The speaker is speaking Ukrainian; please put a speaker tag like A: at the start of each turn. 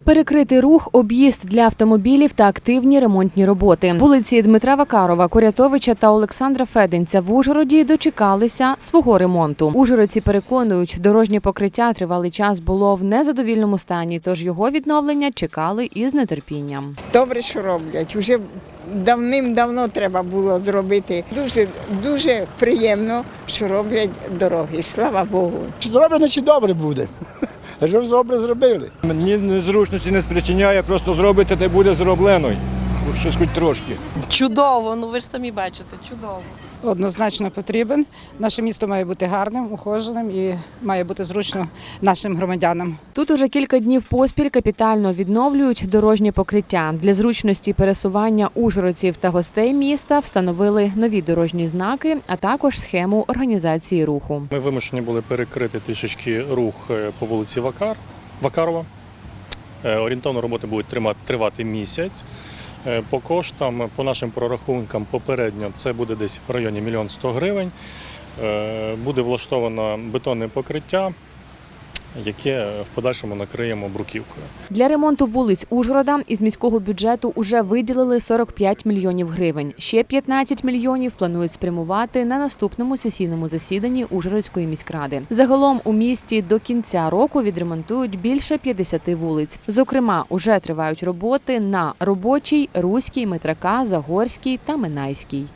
A: Перекритий рух, об'їзд для автомобілів та активні ремонтні роботи. Вулиці Дмитра Вакарова, Курятовича та Олександра Феденця в Ужгороді дочекалися свого ремонту. Ужгородці переконують, дорожнє покриття тривалий час було в незадовільному стані, тож його відновлення чекали із нетерпінням.
B: Добре, що роблять. Уже давним-давно треба було зробити. Дуже приємно, що роблять дороги. Слава Богу.
C: Чи зроблять, значить добре буде. Що добре зробили.
D: Мені незручності не спричиняє, просто зробиться, де буде зроблено. Щось хоч трошки.
E: Чудово, ви ж самі бачите, чудово.
F: Однозначно потрібен. Наше місто має бути гарним, ухоженим і має бути зручно нашим громадянам.
A: Тут уже кілька днів поспіль капітально відновлюють дорожнє покриття. Для зручності пересування ужгородців та гостей міста встановили нові дорожні знаки, а також схему організації руху.
G: Ми вимушені були перекрити трішечки рух по вулиці Вакарова. Орієнтовно роботи будуть тривати місяць. По коштам, по нашим прорахункам, попередньо це буде десь в районі 1 100 000 гривень. Буде влаштовано бетонне покриття, яке в подальшому накриємо бруківкою.
A: Для ремонту вулиць Ужгорода із міського бюджету уже виділили 45 мільйонів гривень. Ще 15 мільйонів планують спрямувати на наступному сесійному засіданні Ужгородської міськради. Загалом у місті до кінця року відремонтують більше 50 вулиць. Зокрема, уже тривають роботи на Робочій, Руській, Метрака, Загорській та Минайській.